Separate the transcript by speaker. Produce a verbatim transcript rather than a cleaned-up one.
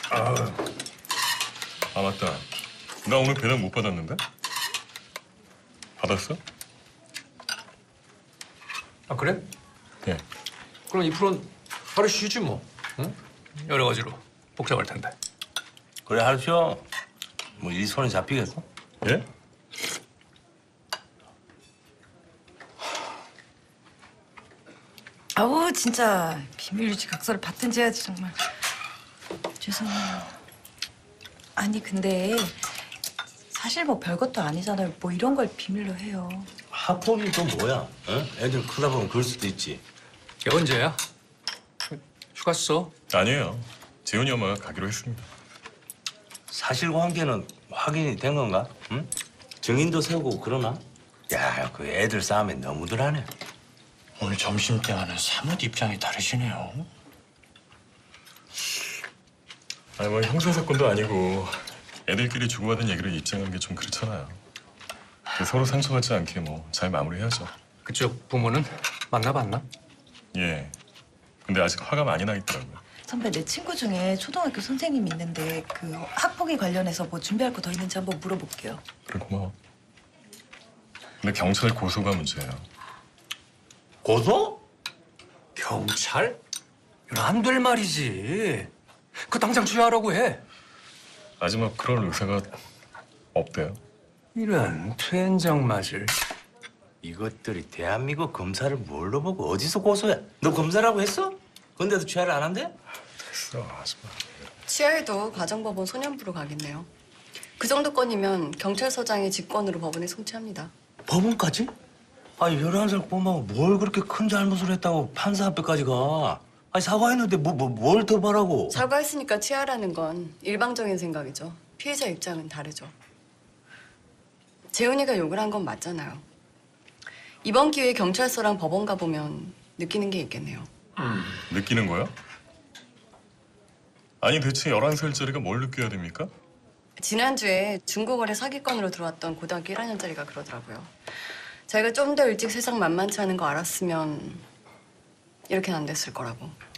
Speaker 1: 아, 아 맞다. 나 오늘 배당 못 받았는데? 받았어?
Speaker 2: 아 그래?
Speaker 1: 예.
Speaker 2: 그럼 이 프로는 하루 쉬지 뭐. 응? 여러 가지로 복잡할 텐데.
Speaker 3: 그래 하루 쉬어. 뭐 이 손에 잡히겠어?
Speaker 1: 예?
Speaker 4: 아우 진짜 비밀 유지 각서를 받든지 해야지 정말. 죄송해요. 아니 근데 사실 뭐 별것도 아니잖아요. 뭐 이런 걸 비밀로 해요.
Speaker 3: 학폭이 또 뭐야? 응? 애들 크다 보면 그럴 수도 있지.
Speaker 2: 걔 언제야? 휴가 써?
Speaker 1: 아니에요. 재훈이 엄마가 가기로 했습니다.
Speaker 3: 사실관계는 확인이 된 건가? 응? 증인도 세우고 그러나? 야, 그 애들 싸움에 너무들 하네.
Speaker 5: 오늘 점심때와는 사뭇 입장이 다르시네요.
Speaker 1: 아니 뭐 형사 사건도 아니고 애들끼리 주고받은 얘기를 입증하는 게 좀 그렇잖아요. 서로 상처받지 않게 뭐 잘 마무리해야죠.
Speaker 2: 그쪽 부모는 만나봤나?
Speaker 1: 예. 근데 아직 화가 많이 나 있더라고요.
Speaker 4: 선배 내 친구 중에 초등학교 선생님이 있는데 그 학폭위 관련해서 뭐 준비할 거 더 있는지 한번 물어볼게요.
Speaker 1: 그래 고마워. 근데 경찰 고소가 문제예요.
Speaker 3: 고소?
Speaker 2: 경찰? 이건 안 될 말이지. 그 당장 취하라고 해.
Speaker 1: 아직 뭐 그럴 의사가 없대요.
Speaker 2: 이런 퇴행장 맞을.
Speaker 3: 이것들이 대한민국 검사를 뭘로 보고 어디서 고소해? 너 검사라고 했어? 근데도 취하를 안 한대?
Speaker 1: 됐어 하지 마.
Speaker 6: 취하에도 가정법원 소년부로 가겠네요. 그 정도 건이면 경찰서장의 직권으로 법원에 송치합니다.
Speaker 3: 법원까지? 아니 열한 살 꼬마가 뭘 그렇게 큰 잘못을 했다고 판사 앞에까지 가? 아니 사과했는데 뭐 뭐 뭘 더 바라고?
Speaker 6: 사과했으니까 취하라는 건 일방적인 생각이죠. 피해자 입장은 다르죠. 재훈이가 욕을 한 건 맞잖아요. 이번 기회에 경찰서랑 법원 가보면 느끼는 게 있겠네요.
Speaker 1: 느끼는 거야? 아니 대체 열한 살짜리가 뭘 느껴야 됩니까?
Speaker 6: 지난주에 중고거래 사기건으로 들어왔던 고등학교 일 학년짜리가 그러더라고요. 자기가 좀 더 일찍 세상 만만치 않은 거 알았으면 이렇게는 안 됐을 거라고.